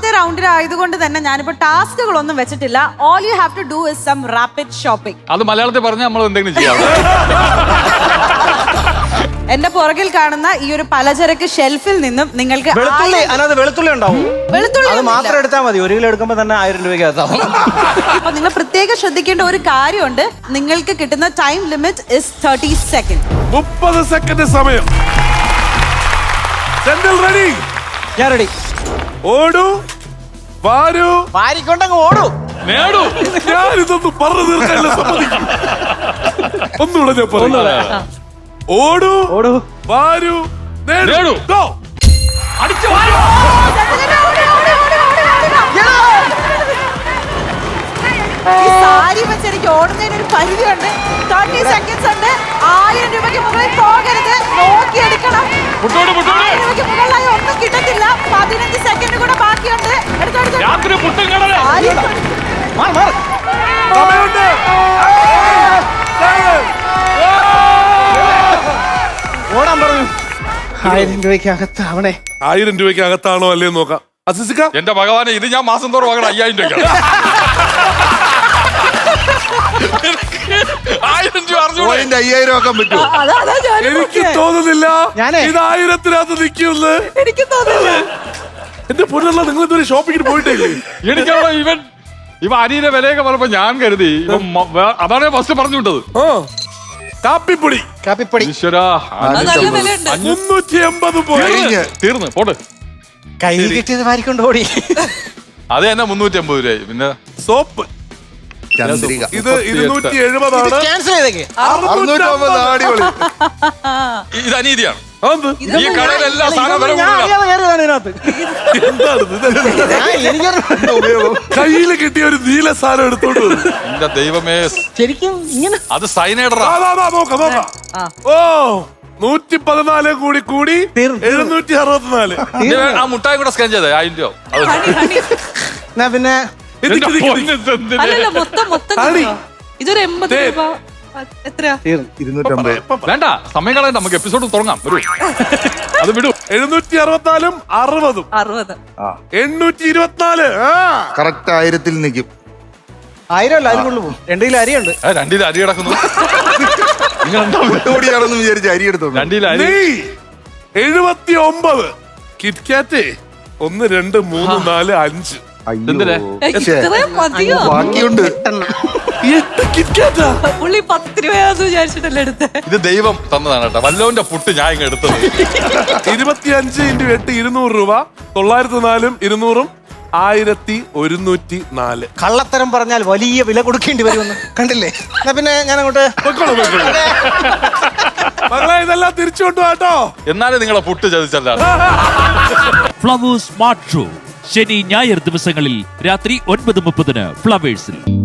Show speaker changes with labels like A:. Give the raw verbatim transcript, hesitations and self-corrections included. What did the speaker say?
A: ആദ്യത്തെ റൗണ്ടിൽ ആയതുകൊണ്ട് തന്നെ ഞാനിപ്പോ ടാസ്കുകളൊന്നും വെച്ചിട്ടില്ല. All you have to do is some rapid shopping.
B: അത് മലയാളത്തിൽ പറഞ്ഞാൽ നമ്മൾ എന്തെങ്കിലും ചെയ്യാം.
A: എന്റെ പുറകിൽ കാണുന്ന ഈ ഒരു പലചരക്ക് ഷെൽഫിൽ നിന്നും നിങ്ങൾക്ക്
C: വെളുത്തുള്ളി അതിനകത്ത് വെളുത്തുള്ളി ഉണ്ടാവും.
A: വെളുത്തുള്ളി
C: അത് മാത്രം എടുത്താൽ മതി. ഒരു കിലോ എടുക്കുമ്പോൾ തന്നെ ആയിരം രൂപയ്ക്ക് അകത്താവും.
A: അപ്പൊ നിങ്ങൾ പ്രത്യേകം ശ്രദ്ധിക്കേണ്ട ഒരു കാര്യമുണ്ട്. നിങ്ങൾക്ക് കിട്ടുന്ന time limit is thirty second.
D: മുപ്പത് സെക്കൻഡ് സമയം. റെഡി?
C: ഞാൻ റെഡി.
D: ഓടൂ, വാരൂ,
C: വാരിക്കൊണ്ടങ്ങ് ഓടൂ.
B: നേടൂ.
D: ഞാനിതൊന്നും പറഞ്ഞു തീർക്കാനുള്ള സമ്മതിക്കും. ഒന്നുകൂടെ ഞാൻ പറഞ്ഞു. ഓടൂ,
C: ഓടൂ,
D: വാരൂ, നേടൂ. Go.
B: അടിച്ചു വാരൂ.
A: ഈ സാരി വെച്ച് എനിക്ക് ഓടുന്നതിന് ഒരു പരിധിയുണ്ട്. തേർട്ടി സെക്കൻഡ്സ് ഉണ്ട്. ആയിരം രൂപയ്ക്ക് മുകളിൽ പോകരുത്. നോക്കിയെടുക്കണം. ആയിരം രൂപയ്ക്ക് മുകളിലായി ഒന്നും കിട്ടത്തില്ല. പതിനഞ്ച് സെക്കൻഡ് കൂടെ ബാക്കിയുണ്ട്.
B: രാത്രി പുട്ടും കടല.
D: സമയമുണ്ട്.
C: ഓടാൻ പറഞ്ഞു. ആയിരം രൂപയ്ക്ക് അകത്താവണേ.
D: ആയിരം രൂപയ്ക്ക് അകത്താണോ അല്ലേ നോക്കാം. അസിസിക്ക,
B: എന്റെ ഭഗവാനെ, ഇത് ഞാൻ മാസം തോറും വാങ്ങണം അയ്യായിരം രൂപ. ആയിരം രൂപ അറിഞ്ഞു
E: അയ്യായിരം ആക്കാൻ പറ്റുമോ?
D: എനിക്ക് തോന്നുന്നില്ല ഇത് ആയിരത്തിനകത്ത് നിൽക്കുമെന്ന്.
A: എനിക്ക് തോന്നുന്നില്ല.
D: എന്റെ പൊന്നുള്ള നിങ്ങൾ ഇതുവരെ ഷോപ്പിങ്ങിന് പോയിട്ടില്ലേ?
B: എനിക്കവിടെ ഇവൻ ഇവ അരിയുടെ വിലയൊക്കെ പറഞ്ഞപ്പോ ഞാൻ കരുതി ഇവൻ മ- വേ- അതാണ് ഫസ്റ്റ് പറഞ്ഞു വിട്ടത്.
D: ആ കാപ്പിപ്പൊടി
C: കാപ്പിപ്പൊടി
B: ഈശ്വരാ,
D: മുന്നൂറ്റി എൺപത് പോയി.
B: തീർന്ന് പോട്ട്.
C: കൈ കിട്ടിയത് വാരിക്കൊണ്ട് ഓടി.
B: അത് തന്നെ മുന്നൂറ്റി അമ്പത് രൂപ. പിന്നെ
D: സോപ്പ്
E: ചന്ദ്രിക
D: ഇത് ഇരുന്നൂറ്റി എഴുപതാണ്.
C: ക്യാൻസൽ ചെയ്തേക്ക്.
E: അറുന്നൂറ്റമ്പത് അടിപൊളി.
B: ഇത് അനീതിയാണ്.
D: അതെന്ത്?
B: ഈ കടയിലെല്ലാം സാധനം വില
C: ഞാൻ
B: കൂടുതലാണ്.
C: അറിയാതെ കയറിയതാണ് ഇതിനകത്ത്.
D: എന്താണ് ഇത്?
C: ഞാൻ എനിക്കറിയാം ഉപയോഗം.
D: കയ്യില് കിട്ടിയ ഒരു നീല സാധനം എടുത്തോണ്ട് വന്നു.
B: എന്റെ ദൈവമേ,
C: ശരിക്കും ഇങ്ങനെ
B: അത് സൈനൈഡറാ.
D: ആ, ആ, ആ, നോക്കാം നോക്കാം. ഓ നൂറ്റി പതിനാല് കൂടി കൂടി
C: തീർന്നു.
D: എഴുന്നൂറ്റി അറുപത്തിനാല്.
B: ആ മുട്ടായി കൂടെ സ്കാൻ ചെയ്തേ ആയിരം രൂപ. അത്
C: എന്നാ പിന്നെ
D: എനിക്ക്
B: എന്റെ
D: ഇതിക്ക്
B: പൊന്ന് ഇതെന്തിന്?
A: അല്ലല്ല, മൊത്തം മൊത്തം
D: ആണി.
A: കിട്ടുമോ? ഇതൊരു എൺപത്
D: ദേ.
A: രൂപ. എത്രയാ?
C: തീർന്നു.
E: ഇരുന്നൂറ്റമ്പത്.
B: വേണ്ട, സമയം കളയണ്ട, നമുക്ക് എപ്പിസോഡ് തുടങ്ങാം. വരൂ, അത് വിടൂ.
D: എഴുന്നൂറ്റി അറുപത്തിനാലും അറുപതും
A: അറുപത്.
D: എണ്ണൂറ്റി ഇരുപത്തിനാല്. ആ
E: കറക്റ്റ് ആയിരത്തിൽ നിൽക്കും.
C: ആയിരം അല്ല, അതിനുള്ളിൽ പോകും. രണ്ട് കിലോ അരിയുണ്ട്.
B: ഏ, രണ്ടിൽ അരി കിടക്കുന്നു. നിങ്ങൾ എന്താ
E: ഒട്ടുകൂടിയാണെന്ന് വിചാരിച്ച് അരി എടുത്തു.
B: രണ്ടിൽ അരി.
D: നീ എഴുപത്തി ഒമ്പത്. കിറ്റ്കാറ്റ് ഒന്ന് രണ്ട് മൂന്ന് നാല് അഞ്ച്.
B: എന്തിനാ?
A: ഇത്രയും മതിയോ?
E: ബാക്കിയുണ്ട്.
D: എട്ട് കിറ്റ്കാറ്റാ.
A: പുള്ളി പത്ത് രൂപയാന്ന് വിചാരിച്ചിട്ടല്ലേ എടുത്തേ?
B: ഇത് ദൈവം തന്നതാണ് കേട്ടോ. വല്ലവന്റെ പുട്ട് ഞാൻ ഇങ്ങ് എടുത്തത്.
D: ഇരുപത്തി അഞ്ച് ഇൻറ്റു എട്ട് ഇരുന്നൂറ് രൂപ. തൊള്ളായിരത്തി നാലും ഇരുന്നൂറും ആയിരത്തി ഒരുന്നൂറ്റി നാല്.
C: കള്ളത്തരം പറഞ്ഞാൽ വലിയ വില കൊടുക്കേണ്ടി വരുമെന്ന് കണ്ടില്ലേ? എന്നാ പിന്നെ ഞാൻ അങ്ങോട്ട്
D: മകളെ ഇതെല്ലാം തിരിച്ചു കൊണ്ടുപോട്ടോ.
B: എന്നാലും നിങ്ങളെ പുട്ട് ചതിച്ചല്ല.
F: ഫ്ലവേഴ്സ് സ്മാർട്ട് ഷോ ശനി ഞായർ ദിവസങ്ങളിൽ രാത്രി ഒൻപത് മുപ്പതിന് ഫ്ലവേഴ്സിൽ.